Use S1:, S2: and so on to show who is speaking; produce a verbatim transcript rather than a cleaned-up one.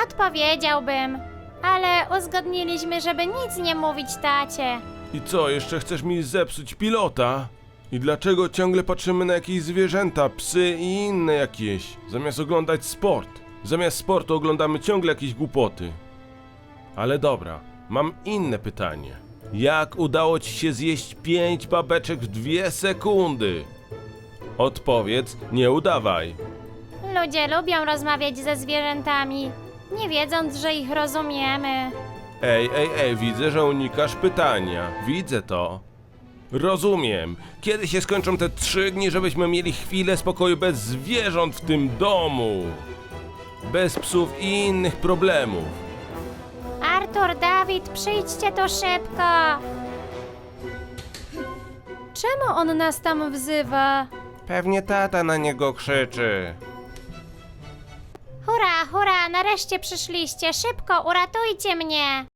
S1: Odpowiedziałbym, ale uzgodniliśmy, żeby nic nie mówić tacie.
S2: I co, jeszcze chcesz mi zepsuć pilota? I dlaczego ciągle patrzymy na jakieś zwierzęta, psy i inne jakieś, zamiast oglądać sport? Zamiast sportu oglądamy ciągle jakieś głupoty. Ale dobra, mam inne pytanie. Jak udało ci się zjeść pięć babeczek w dwie sekundy? Odpowiedz, nie udawaj.
S1: Ludzie lubią rozmawiać ze zwierzętami, nie wiedząc, że ich rozumiemy.
S2: Ej, ej, ej, widzę, że unikasz pytania. Widzę to. Rozumiem. Kiedy się skończą te trzy dni, żebyśmy mieli chwilę spokoju bez zwierząt w tym domu? Bez psów i innych problemów.
S1: Artur, Dawid, przyjdźcie tu szybko. Czemu on nas tam wzywa?
S2: Pewnie tata na niego krzyczy.
S1: Hurra, hurra, nareszcie przyszliście, szybko, uratujcie mnie.